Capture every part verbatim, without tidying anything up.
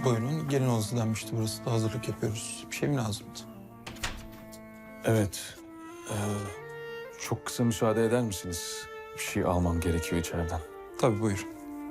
Buyurun, gelin odası denmişti burası da hazırlık yapıyoruz. Bir şey mi lazımdı? Evet. Ee, çok kısa müsaade eder misiniz? Bir şey almam gerekiyor içeriden. Tabii buyurun.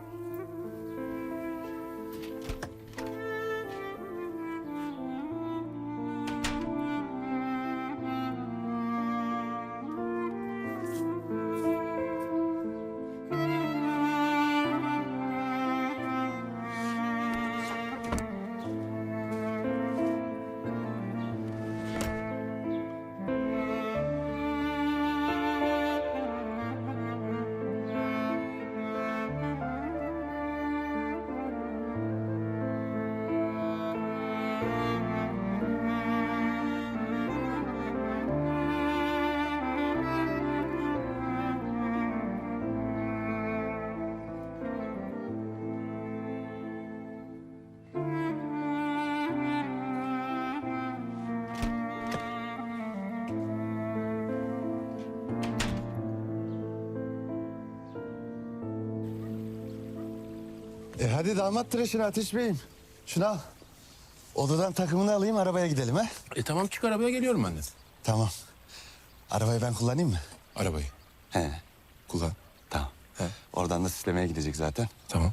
E hadi damat tıraşını Ateş Bey'im. Şunu al. Odadan takımını alayım, arabaya gidelim ha. E tamam, çık arabaya, geliyorum ben de. Tamam. Arabayı ben kullanayım mı? Arabayı. He. Kullan. Tamam. He. Oradan da süslemeye gidecek zaten. Tamam.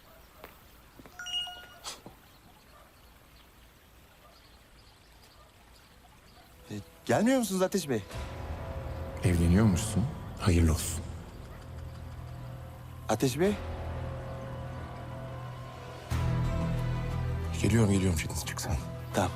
E, gelmiyor musunuz Ateş Bey? Evleniyormuşsun. Hayırlı olsun. Ateş Bey? Geliyorum, geliyorum Çetin, çık sen. Tamam.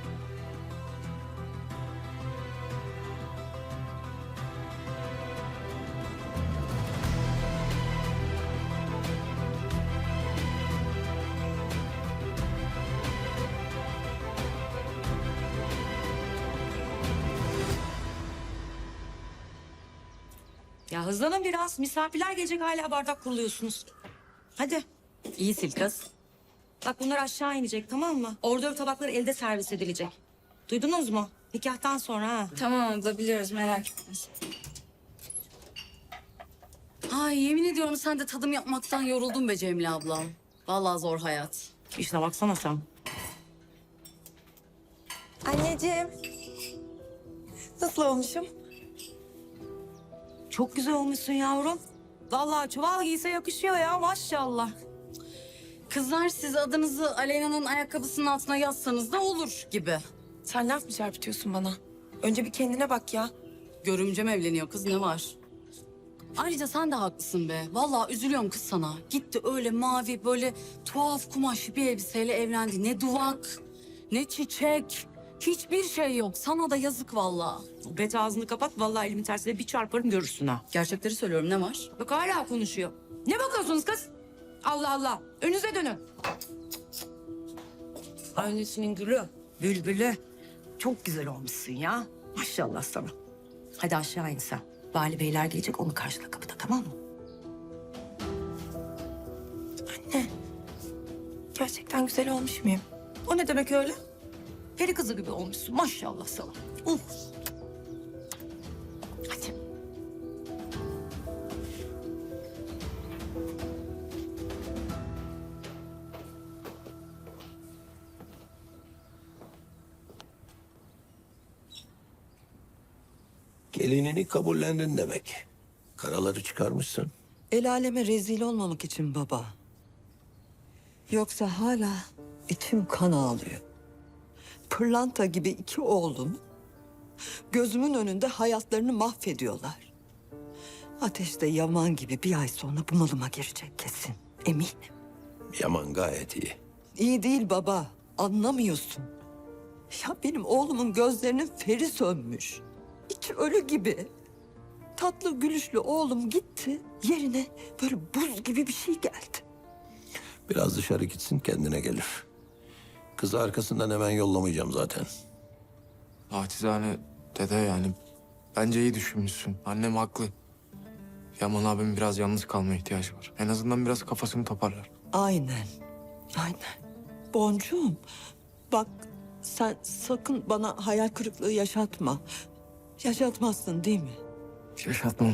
Ya hızlanın biraz. Misafirler gelecek, hala bardak kuruluyorsunuz. Hadi. İyi sil kız. Bak bunlar aşağı inecek, tamam mı? Ordör tabakları elde servis edilecek. Duydunuz mu? Nikahtan sonra ha. Tamam abla, biliyoruz, merak etme. Ay yemin ediyorum sen de tadım yapmaktan yoruldun be Cemile ablam. Vallahi zor hayat. İşine baksana sen. Anneciğim. Nasıl olmuşum? Çok güzel olmuşsun yavrum. Vallahi çuval giyse yakışıyor ya, maşallah. Kızlar siz adınızı Aleyna'nın ayakkabısının altına yazsanız da olur gibi. Sen laf mı çarpıtıyorsun bana? Önce bir kendine bak ya. Görümcem evleniyor kız, ne var? Ayrıca sen de haklısın be. Vallahi üzülüyorum kız sana. Gitti öyle mavi böyle tuhaf kumaş bir elbiseyle evlendi. Ne duvak, ne çiçek. Hiçbir şey yok. Sana da yazık vallahi. Bet ağzını kapat, vallahi elimin tersiyle bir çarparım görürsün ha. Gerçekleri söylüyorum, ne var? Bak hala konuşuyor. Ne bakıyorsunuz kız? Allah Allah. Önünüze dönün. Annesinin gülü, bülbülü. Çok güzel olmuşsun ya. Maşallah sana. Hadi aşağı in sen. Vali beyler gelecek, onu karşıla kapıda, tamam mı? Anne. Gerçekten güzel olmuş muyum? O ne demek öyle? Peri kızı gibi olmuşsun, maşallah sana. Uf. Hadi. Gelinini kabullendin demek. Karaları çıkarmışsın. El aleme rezil olmamak için baba. Yoksa hala içim kan ağlıyor. Pırlanta gibi iki oğlum gözümün önünde hayatlarını mahvediyorlar. Ateş de Yaman gibi bir ay sonra bunalıma girecek kesin. Eminim. Yaman gayet iyi. İyi değil baba. Anlamıyorsun. Ya benim oğlumun gözlerinin feri sönmüş. İçi ölü gibi. Tatlı gülüşlü oğlum gitti. Yerine böyle buz gibi bir şey geldi. Biraz dışarı gitsin, kendine gelir. Kızı arkasından hemen yollamayacağım zaten. Naçizane dede, yani bence iyi düşünmüşsün. Annem haklı. Yaman abimin biraz yalnız kalmaya ihtiyacı var. En azından biraz kafasını toparlar. Aynen. Aynen. Boncuğum bak sen sakın bana hayal kırıklığı yaşatma. Yaşatmazsın değil mi? Yaşatmam.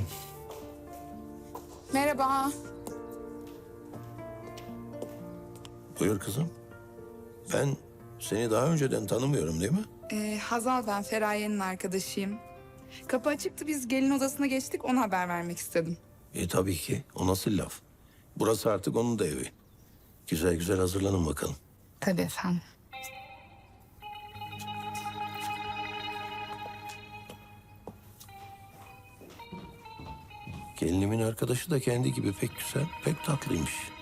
Merhaba. Buyur kızım. Ben seni daha önceden tanımıyorum değil mi? Ee, Hazal ben Feraye'nin arkadaşıyım. Kapı açıktı biz gelin odasına geçtik ona haber vermek istedim. E tabii ki. O nasıl laf? Burası artık onun da evi. Güzel güzel hazırlanın bakalım. Tabii efendim. Gelinimin arkadaşı da kendi gibi pek güzel, pek tatlıymış.